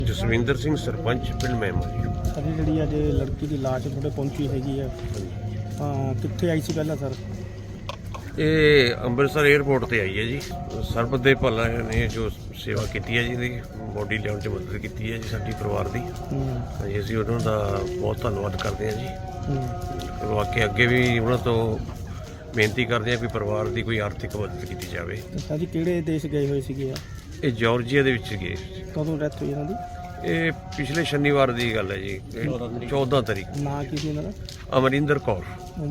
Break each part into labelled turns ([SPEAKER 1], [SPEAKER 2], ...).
[SPEAKER 1] ਜਸਵਿੰਦਰ ਸਿੰਘ ਸਰਪੰਚ ਪਿੰਡ ਮਹਿਮਾ ਜੀ।
[SPEAKER 2] ਸਾਡੀ ਜਿਹੜੀ ਅੱਜ ਲੜਕੀ ਦੀ ਲਾਸ਼ ਤੁਹਾਡੇ ਪਹੁੰਚੀ ਹੈਗੀ ਆ, ਕਿੱਥੇ ਆਈ ਸੀ ਪਹਿਲਾਂ ਸਰ?
[SPEAKER 1] ਇਹ ਅੰਮ੍ਰਿਤਸਰ 에ਅਰਪੋਰਟ ਤੇ ਆਈ ਹੈ ਜੀ। ਸਰਬਤ ਦੇ ਭਲਾ ਨੇ ਜੋ ਸੇਵਾ ਕੀਤੀ ਹੈ ਜੀ, ਇਹਦੀ ਬੋਡੀ ਲਿਆਉਣ 'ਚ ਮਦਦ ਕੀਤੀ ਹੈ ਜੀ ਸਾਡੀ ਪਰਿਵਾਰ ਦੀ। ਹਾਂਜੀ, ਅਸੀਂ ਉਹਨਾਂ ਦਾ ਬਹੁਤ ਧੰਨਵਾਦ ਕਰਦੇ ਹਾਂ ਜੀ। ਵਾਕਿਆ ਅੱਗੇ ਵੀ ਉਹਨਾਂ ਤੋਂ ਬੇਨਤੀ ਕਰਦੇ ਹਾਂ ਕਿ ਪਰਿਵਾਰ ਦੀ ਕੋਈ ਆਰਥਿਕ ਮਦਦ ਕੀਤੀ ਜਾਵੇ।
[SPEAKER 2] ਸਰ ਜੀ ਕਿਹੜੇ ਦੇਸ਼ ਗਏ ਹੋਏ ਸੀਗੇ?
[SPEAKER 1] ਇਹ ਜਾਰਜੀਆ ਦੇ ਵਿੱਚ ਗਏ।
[SPEAKER 2] ਕਦੋਂ ਡੈਥ ਹੋਈ ਇਹਨਾਂ ਦੀ?
[SPEAKER 1] ਇਹ ਪਿਛਲੇ ਸ਼ਨੀਵਾਰ ਦੀ ਗੱਲ ਹੈ ਜੀ, 14 ਤਰੀਕ।
[SPEAKER 2] ਨਾਂ ਕੀ ਸੀ ਇਹਨਾਂ ਦਾ?
[SPEAKER 1] ਅਮਰਿੰਦਰ ਕੌਰ।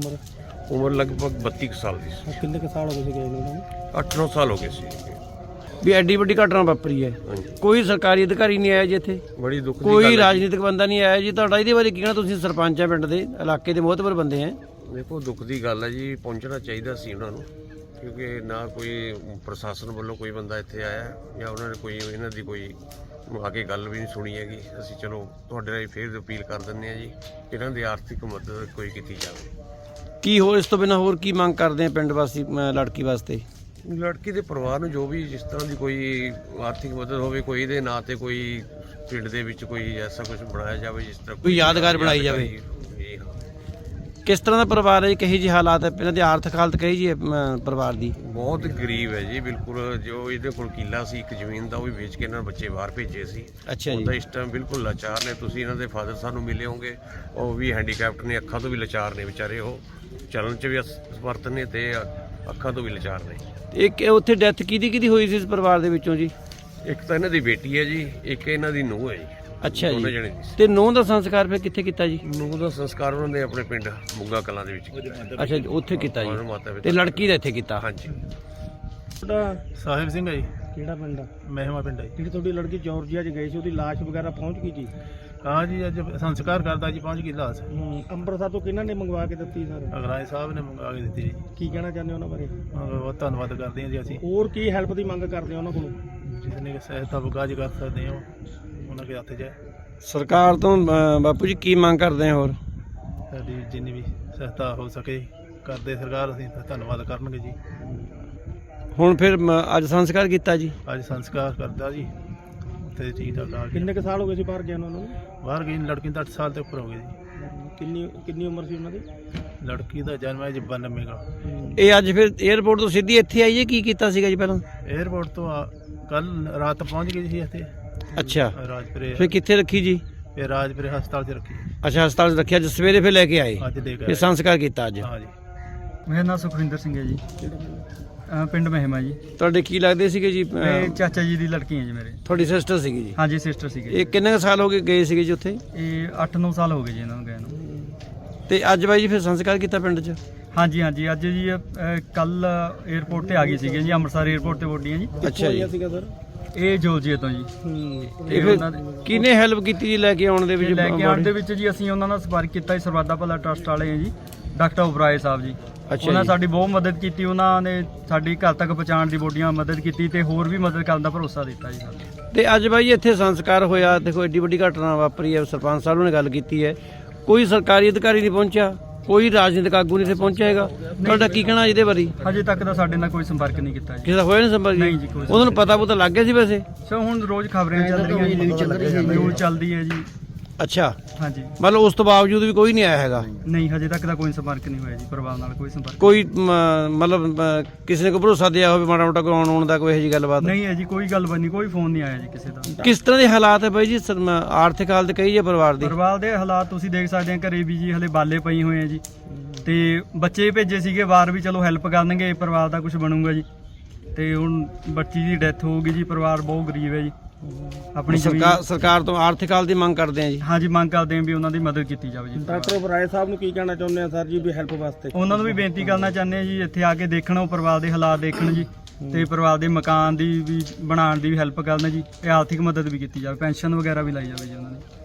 [SPEAKER 2] ਉਮਰ
[SPEAKER 1] ਲਗਭਗ 32 ਸਾਲ ਦੀ ਸੀ।
[SPEAKER 2] ਕਿੰਨੇ ਕੁ ਸਾਲ ਹੋ ਗਏ ਸੀ ਗਏ ਇਹਨਾਂ ਨੂੰ?
[SPEAKER 1] 8-9 ਸਾਲ ਹੋ ਗਏ ਸੀ।
[SPEAKER 3] ਵੀ ਐਡੀ ਵੱਡੀ ਘਟਨਾ ਵਾਪਰੀ ਹੈ, ਕੋਈ ਸਰਕਾਰੀ ਅਧਿਕਾਰੀ ਨਹੀਂ ਆਇਆ ਜੀ ਇੱਥੇ,
[SPEAKER 1] ਬੜੀ ਦੁੱਖ ਦੀ
[SPEAKER 3] ਕੋਈ ਰਾਜਨੀਤਿਕ ਬੰਦਾ ਨਹੀਂ ਆਇਆ ਜੀ। ਤੁਹਾਡਾ ਇਹਦੇ ਬਾਰੇ ਕੀ ਕਹਿਣਾ? ਤੁਸੀਂ ਸਰਪੰਚ ਆ ਪਿੰਡ ਦੇ, ਇਲਾਕੇ ਦੇ ਮੋਹਤਬਰ ਬੰਦੇ ਆ।
[SPEAKER 1] ਦੇਖੋ, ਦੁੱਖ ਦੀ ਗੱਲ ਹੈ ਜੀ, ਪਹੁੰਚਣਾ ਚਾਹੀਦਾ ਸੀ ਉਹਨਾਂ ਨੂੰ, ਕਿਉਂਕਿ ਨਾ ਕੋਈ ਪ੍ਰਸ਼ਾਸਨ ਵੱਲੋਂ ਕੋਈ ਬੰਦਾ ਇੱਥੇ ਆਇਆ ਜਾਂ ਉਹਨਾਂ ਨੇ ਕੋਈ ਇਹਨਾਂ ਦੀ ਕੋਈ ਆ ਕੇ ਗੱਲ ਵੀ ਨਹੀਂ ਸੁਣੀ ਹੈਗੀ। ਅਸੀਂ ਚਲੋ ਤੁਹਾਡੇ ਨਾਲ ਫੇਰ ਅਪੀਲ ਕਰ ਦਿੰਦੇ ਹਾਂ ਜੀ, ਇਹਨਾਂ ਦੀ ਆਰਥਿਕ ਮਦਦ ਕੋਈ ਕੀਤੀ ਜਾਵੇ।
[SPEAKER 3] ਕੀ ਹੋਰ ਇਸ ਤੋਂ ਬਿਨਾਂ ਹੋਰ ਕੀ ਮੰਗ ਕਰਦੇ ਆ ਪਿੰਡ ਵਾਸੀ ਲੜਕੀ ਵਾਸਤੇ?
[SPEAKER 1] ਲੜਕੀ ਦੇ ਪਰਿਵਾਰ ਨੂੰ ਜੋ ਵੀ ਜਿਸ ਤਰ੍ਹਾਂ ਦੀ ਕੋਈ ਆਰਥਿਕ ਮਦਦ ਹੋਵੇ, ਕੋਈ ਇਹਦੇ ਨਾਂ ਤੇ ਕੋਈ ਪਿੰਡ ਦੇ ਵਿੱਚ ਕੋਈ ਐਸਾ ਕੁਝ ਬਣਾਇਆ ਜਾਵੇ ਜਿਸ ਤਰ੍ਹਾਂ
[SPEAKER 3] ਕੋਈ ਯਾਦਗਾਰ ਬਣਾਈ ਜਾਵੇ।
[SPEAKER 1] ਜੀ ਹਾਂ।
[SPEAKER 3] ਕਿਸ ਤਰ੍ਹਾਂ ਦਾ ਪਰਿਵਾਰ ਹੈ ਜੀ? ਕਹੀ ਜੀ ਹਾਲਾਤ ਹੈ ਇਹਨਾਂ ਦੀ ਆਰਥਿਕ ਹਾਲਤ? ਕਹੀ ਜੀ ਪਰਿਵਾਰ ਦੀ
[SPEAKER 1] ਬਹੁਤ ਗਰੀਬ ਹੈ ਜੀ, ਬਿਲਕੁਲ। ਜੋ ਇਹਦੇ ਕੋਲ ਕਿੱਲਾ ਸੀ ਇੱਕ ਜ਼ਮੀਨ ਦਾ, ਉਹ ਵੀ ਵੇਚ ਕੇ ਇਹਨਾਂ ਬੱਚੇ ਬਾਹਰ ਭੇਜੇ ਸੀ।
[SPEAKER 3] ਅੱਛਾ ਜੀ।
[SPEAKER 1] ਉਹਦਾ ਇਸ ਟਾਈਮ ਬਿਲਕੁਲ ਲਾਚਾਰ ਨੇ। ਤੁਸੀਂ ਇਹਨਾਂ ਦੇ ਫਾਦਰ ਸਾਨੂੰ ਮਿਲੇ ਹੋਗੇ, ਉਹ ਵੀ ਹੈਂਡੀਕੈਪਟ ਨੇ, ਅੱਖਾਂ ਤੋਂ ਵੀ ਲਾਚਾਰ ਨੇ ਵਿਚਾਰੇ। ਉਹ ਚੱਲਣ 'ਚ ਵੀ ਅਸਮਰਥ ਨੇ ਤੇ ਅੱਖਾਂ ਤੋਂ ਵੀ ਲਾਚਾਰ ਨੇ।
[SPEAKER 3] ਇੱਕ ਉੱਥੇ ਡੈਥ ਕਿਹਦੀ ਹੋਈ ਸੀ ਇਸ ਪਰਿਵਾਰ ਦੇ ਵਿੱਚੋਂ ਜੀ?
[SPEAKER 1] ਇੱਕ ਤਾਂ ਇਹਨਾਂ ਦੀ ਬੇਟੀ ਹੈ ਜੀ, ਇੱਕ ਇਹਨਾਂ ਦੀ ਨੂੰਹ ਹੈ ਜੀ।
[SPEAKER 3] ਅੱਛਾ
[SPEAKER 1] ਦੋਨੇ
[SPEAKER 3] ਜੀ।
[SPEAKER 1] ਜਣੇ ਸੀ।
[SPEAKER 3] ਤੇ ਨੂੰਹ ਦਾ ਸੰਸਕਾਰ ਫਿਰ ਕਿੱਥੇ ਕੀਤਾ ਜੀ?
[SPEAKER 1] ਨੂੰਹ ਦਾ ਸੰਸਕਾਰ ਉਹਨਾਂ ਨੇ ਆਪਣੇ ਪਿੰਡ ਮੁੱਗਾ ਕਲਾਂ ਦੇ ਵਿੱਚ ਕੀਤਾ।
[SPEAKER 3] ਅੱਛਾ ਜੀ, ਉੱਥੇ ਕੀਤਾ
[SPEAKER 1] ਉਹਨਾਂ
[SPEAKER 3] ਜੀ।
[SPEAKER 1] ਮਾਤਾ ਪਿਤਾ
[SPEAKER 3] ਤੇ ਲੜਕੀ ਦਾ ਇੱਥੇ ਕੀਤਾ?
[SPEAKER 1] ਹਾਂਜੀ।
[SPEAKER 2] ਤੁਹਾਡਾ
[SPEAKER 4] ਸਾਹਿਬ ਸਿੰਘ ਹੈ ਜੀ,
[SPEAKER 2] ਕਿਹੜਾ ਪਿੰਡ ਆ?
[SPEAKER 4] ਮਹਿਮਾ ਪਿੰਡ ਹੈ ਜੀ।
[SPEAKER 2] ਜਿਹੜੀ ਤੁਹਾਡੀ ਲੜਕੀ ਜਾਰਜੀਆ 'ਚ ਗਈ ਸੀ, ਉਹਦੀ ਲਾਸ਼ ਵਗੈਰਾ ਪਹੁੰਚ ਗਈ ਜੀ?
[SPEAKER 4] ਹਾਂ ਜੀ, ਅੱਜ ਸੰਸਕਾਰ ਕਰਦਾ ਜੀ, ਪਹੁੰਚ ਗਈ ਲਾਸ਼।
[SPEAKER 2] ਅੰਮ੍ਰਿਤਸਰ ਤੋਂ ਕਿਹਨਾਂ ਨੇ ਮੰਗਵਾ ਕੇ ਦਿੱਤੀ ਸਰ?
[SPEAKER 4] ਅਗਰਾਏ ਸਾਹਿਬ ਨੇ ਮੰਗਾ ਕੇ ਦਿੱਤੀ ਜੀ।
[SPEAKER 2] ਕੀ ਕਹਿਣਾ ਚਾਹੁੰਦੇ ਹੋ ਉਹਨਾਂ ਬਾਰੇ?
[SPEAKER 4] ਬਹੁਤ ਧੰਨਵਾਦ ਕਰਦੇ ਹਾਂ ਜੀ ਅਸੀਂ।
[SPEAKER 2] ਹੋਰ ਕੀ ਹੈਲਪ ਦੀ ਮੰਗ ਕਰਦੇ ਹੋ ਉਹਨਾਂ ਕੋਲੋਂ?
[SPEAKER 4] ਜਿਸ ਨੇ ਸਹਾਇਤਾ ਬਗਾਜ ਕਰ ਸਕਦੇ ਹੋ ਉਹਨਾਂ ਦੇ ਹੱਥ 'ਚ ਹੈ।
[SPEAKER 3] ਸਰਕਾਰ ਤੋਂ ਬਾਪੂ ਜੀ ਕੀ ਮੰਗ ਕਰਦੇ ਆ? ਹੋਰ
[SPEAKER 4] ਸਾਡੀ ਜਿੰਨੀ ਵੀ ਸਹਾਇਤਾ ਹੋ ਸਕੇ ਕਰਦੇ ਸਰਕਾਰ, ਅਸੀਂ ਤਾਂ ਧੰਨਵਾਦ ਕਰਨਗੇ ਜੀ।
[SPEAKER 3] ਹੁਣ ਫਿਰ ਅੱਜ ਸੰਸਕਾਰ ਕੀਤਾ ਜੀ?
[SPEAKER 4] ਅੱਜ ਸੰਸਕਾਰ ਕਰਦਾ ਜੀ ਤੇ ਠੀਕ ਠਾਕ ਆ।
[SPEAKER 2] ਕਿੰਨੇ ਕੁ ਸਾਲ ਹੋ ਗਏ ਸੀ ਬਾਹਰ ਗਿਆ ਉਹਨਾਂ ਨੂੰ?
[SPEAKER 4] ਬਾਹਰ ਗਈ ਲੜਕੀ ਨੂੰ ਤਾਂ 8 ਸਾਲ ਤੋਂ ਉੱਪਰ ਹੋ ਗਏ ਜੀ।
[SPEAKER 2] ਕਿੰਨੀ ਉਮਰ ਸੀ ਉਹਨਾਂ ਦੀ?
[SPEAKER 4] ਲੜਕੀ ਦਾ ਜਨਮ ਹੈ ਜੀ 92 ਦਾ।
[SPEAKER 3] ਇਹ ਅੱਜ ਫਿਰ 에ਅਰਪੋਰਟ ਤੋਂ ਸਿੱਧੀ ਇੱਥੇ ਆਈ ਹੈ? ਕੀ ਕੀਤਾ ਸੀਗਾ ਜੀ ਪਹਿਲਾਂ?
[SPEAKER 4] ਏਅਰਪੋਰਟ ਤੋਂ ਕੱਲ ਰਾਤ ਪਹੁੰਚ ਗਈ ਸੀ ਇੱਥੇ
[SPEAKER 3] ਅੱਛਾ,
[SPEAKER 4] ਰਾਜਪੁਰੇ।
[SPEAKER 3] ਫਿਰ ਕਿੱਥੇ ਰੱਖੀ ਜੀ?
[SPEAKER 4] ਫਿਰ ਰਾਜਪੁਰੇ ਹਸਪਤਾਲ 'ਚ ਰੱਖੀ।
[SPEAKER 3] ਅੱਛਾ, ਹਸਪਤਾਲ 'ਚ ਰੱਖਿਆ। ਅੱਜ ਸਵੇਰੇ ਫਿਰ ਲੈ ਕੇ ਆਏ,
[SPEAKER 4] ਅੱਜ ਦੇ
[SPEAKER 3] ਫਿਰ ਸੰਸਕਾਰ ਕੀਤਾ ਅੱਜ?
[SPEAKER 4] ਹਾਂ ਜੀ।
[SPEAKER 5] ਮੇਰਾ ਨਾਮ ਸੁਖਵਿੰਦਰ ਸਿੰਘ ਹੈ ਜੀ, ਪਿੰਡ ਮਹਿਮਾ ਜੀ।
[SPEAKER 3] ਤੁਹਾਡੇ ਕੀ ਲੱਗਦੇ ਸੀਗੇ ਜੀ?
[SPEAKER 5] ਇਹ ਚਾਚਾ ਜੀ ਦੀ ਲੜਕੀ ਹੈ ਜੀ ਮੇਰੇ।
[SPEAKER 3] ਤੁਹਾਡੀ ਸਿਸਟਰ ਸੀਗੀ ਜੀ?
[SPEAKER 5] ਹਾਂਜੀ, ਸਿਸਟਰ ਸੀਗੇ।
[SPEAKER 3] ਇਹ ਕਿੰਨੇ ਕੁ ਸਾਲ ਹੋ ਗਏ ਗਏ ਸੀਗੇ ਜੀ ਉੱਥੇ?
[SPEAKER 5] ਇਹ 8-9 ਸਾਲ ਹੋ ਗਏ ਜੀ ਇਹਨਾਂ ਨੂੰ ਗਏ ਨੂੰ।
[SPEAKER 3] ਤੇ ਅੱਜ ਬਾਈ ਜੀ ਫਿਰ ਸੰਸਕਾਰ ਕੀਤਾ ਪਿੰਡ 'ਚ?
[SPEAKER 5] ਹਾਂਜੀ ਹਾਂਜੀ, ਅੱਜ ਜੀ ਕੱਲ 에ਅਰਪੋਰਟ ਤੇ ਆ ਗਏ ਸੀਗੇ ਜੀ, ਅੰਮ੍ਰਿਤਸਰ 에ਅਰਪੋਰਟ ਤੇ ਬੋਡੀਆਂ ਜੀ।
[SPEAKER 3] ਅੱਛਾ ਜੀ।
[SPEAKER 2] ਸੀਗਾ ਸਰ
[SPEAKER 5] ਇਹ ਜੋਲਜੀਏ ਤੋਂ ਜੀ।
[SPEAKER 3] ਇਹ ਫਿਰ ਕਿਹਨੇ ਹੈਲਪ ਕੀਤੀ ਜੀ ਲੈ ਕੇ ਆਉਣ ਦੇ ਵਿੱਚ?
[SPEAKER 5] ਲੈ ਕੇ ਆਉਣ ਦੇ ਵਿੱਚ ਜੀ ਅਸੀਂ ਉਹਨਾਂ ਨਾਲ ਸੰਪਰਕ ਕੀਤਾ ਜੀ, ਸਰਵਾਦਾ ਭਲਾ ਟਰਸਟ ਵਾਲੇ ਆ ਜੀ, ਡਾਕਟਰ ਉਬਰਾਏ ਸਾਹਿਬ ਜੀ। ਉਹਨਾਂ ਸਾਡੀ ਬਹੁਤ ਮਦਦ ਕੀਤੀ, ਉਹਨਾਂ ਨੇ ਸਾਡੀ ਘਰ ਤੱਕ ਪਹੁੰਚਾਉਣ ਦੀ ਬੋਡੀਆਂ ਮਦਦ ਕੀਤੀ ਤੇ ਹੋਰ ਵੀ ਮਦਦ ਕਰਨ ਦਾ ਭਰੋਸਾ ਦਿੱਤਾ ਜੀ ਸਾਨੂੰ।
[SPEAKER 3] ਤੇ ਅੱਜ ਬਾਈ ਇੱਥੇ ਸੰਸਕਾਰ ਹੋਇਆ, ਦੇਖੋ ਐਡੀ ਵੱਡੀ ਘਟਨਾ ਵਾਪਰੀ ਹੈ। ਸਰਪੰਚ ਸਾਹਿਬ ਨੇ ਗੱਲ ਕੀਤੀ ਹੈ, ਕੋਈ ਸਰਕਾਰੀ ਅਧਿਕਾਰੀ ਨਹੀਂ ਪਹੁੰਚਿਆ, ਕੋਈ ਰਾਜਨੀਤਿਕ ਆਗੂ ਨਹੀਂ ਇੱਥੇ ਪਹੁੰਚਿਆ ਹੈਗਾ। ਤੁਹਾਡਾ ਕੀ ਕਹਿਣਾ ਇਹਦੇ ਬਾਰੇ?
[SPEAKER 5] ਹਜੇ ਤੱਕ ਤਾਂ ਸਾਡੇ ਨਾਲ ਕੋਈ ਸੰਪਰਕ ਨਹੀਂ ਕੀਤਾ ਜੀ।
[SPEAKER 3] ਕਿਸੇ ਦਾ ਹੋਇਆ ਨਹੀਂ ਸੰਪਰਕ?
[SPEAKER 5] ਨਹੀਂ ਜੀ, ਕੋਈ
[SPEAKER 3] ਉਹਨਾਂ ਨੂੰ ਪਤਾ ਲੱਗ ਗਿਆ ਸੀ ਵੈਸੇ?
[SPEAKER 5] ਸੋ ਹੁਣ ਰੋਜ਼ ਖਬਰਾਂ ਚੱਲ ਰਹੀਆਂ ਜੀ, ਨਿਊਜ਼ ਚੱਲਦੀ ਹੈ ਜੀ।
[SPEAKER 3] ਅੱਛਾ,
[SPEAKER 5] ਹਾਂਜੀ।
[SPEAKER 3] ਮਤਲਬ ਉਸ ਤੋਂ ਬਾਵਜੂਦ ਵੀ ਕੋਈ ਨਹੀਂ ਆਇਆ ਹੈਗਾ?
[SPEAKER 5] ਨਹੀਂ, ਹਜੇ ਤੱਕ ਤਾਂ ਕੋਈ ਸੰਪਰਕ ਨਹੀਂ ਹੋਇਆ ਜੀ, ਪਰਿਵਾਰ ਨਾਲ ਕੋਈ ਸੰਪਰਕ।
[SPEAKER 3] ਕੋਈ ਮਤਲਬ ਕਿਸੇ ਨੇ ਕੋਈ ਭਰੋਸਾ ਦਿਆ ਹੋਵੇ ਮਾੜਾ ਮੋਟਾ ਕੋਈ ਆਉਣ ਦਾ, ਕੋਈ ਇਹੋ ਜਿਹੀ ਗੱਲਬਾਤ?
[SPEAKER 5] ਨਹੀਂ ਹੈ ਜੀ, ਕੋਈ ਗੱਲਬਾਤ ਨਹੀਂ, ਕੋਈ ਫੋਨ ਨਹੀਂ ਆਇਆ ਜੀ ਕਿਸੇ ਦਾ।
[SPEAKER 3] ਕਿਸ ਤਰ੍ਹਾਂ ਦੇ ਹਾਲਾਤ ਹੈ ਬਾਈ ਜੀ? ਆਰਥਿਕ ਹਾਲਤ ਕਹੀ ਹੈ ਪਰਿਵਾਰ ਦੀ?
[SPEAKER 5] ਪਰਿਵਾਰ ਦੇ ਹਾਲਾਤ ਤੁਸੀਂ ਦੇਖ ਸਕਦੇ ਆ, ਘਰੇ ਵੀ ਜੀ ਹਲੇ ਬਾਲੇ ਪਈ ਹੋਏ ਆ ਜੀ, ਤੇ ਬੱਚੇ ਭੇਜੇ ਸੀਗੇ ਬਾਹਰ ਵੀ, ਚਲੋ ਹੈਲਪ ਕਰਨਗੇ, ਪਰਿਵਾਰ ਦਾ ਕੁਝ ਬਣੂਗਾ ਜੀ। ਤੇ ਹੁਣ ਬੱਚੀ ਦੀ ਡੈਥ ਹੋ ਗਈ ਜੀ, ਪਰਿਵਾਰ ਬਹੁਤ ਗਰੀਬ ਹੈ ਜੀ। ਆਪਣੀ
[SPEAKER 3] ਸਰਕਾਰ ਤੋਂ ਆਰਥਿਕ ਹਾਲਤ ਦੀ ਮੰਗ ਕਰਦੇ ਆ ਜੀ?
[SPEAKER 5] ਹਾਂਜੀ, ਮੰਗ ਕਰਦੇ ਆ ਵੀ ਉਹਨਾਂ ਦੀ ਮਦਦ ਕੀਤੀ ਜਾਵੇ ਜੀ।
[SPEAKER 2] ਡਾਕਟਰ ਉਬਰਾਏ ਸਾਹਿਬ ਨੂੰ ਕੀ ਕਹਿਣਾ ਚਾਹੁੰਦੇ ਆ ਸਰ ਜੀ ਵੀ ਹੈਲਪ ਵਾਸਤੇ?
[SPEAKER 5] ਉਹਨਾਂ ਨੂੰ ਵੀ ਬੇਨਤੀ ਕਰਨਾ ਚਾਹੁੰਦੇ ਆ ਜੀ, ਇੱਥੇ ਆ ਕੇ ਦੇਖਣ, ਉਹ ਪਰਿਵਾਰ ਦੇ ਹਾਲਾਤ ਦੇਖਣ ਜੀ, ਤੇ ਪਰਿਵਾਰ ਦੇ ਮਕਾਨ ਦੀ ਵੀ ਬਣਾਉਣ ਦੀ ਵੀ ਹੈਲਪ ਕਰਨ ਜੀ, ਤੇ ਆਰਥਿਕ ਮਦਦ ਵੀ ਕੀਤੀ ਜਾਵੇ, ਪੈਨਸ਼ਨ ਵਗੈਰਾ ਵੀ ਲਾਈ ਜਾਵੇ ਜੀ ਉਹਨਾਂ ਨੇ।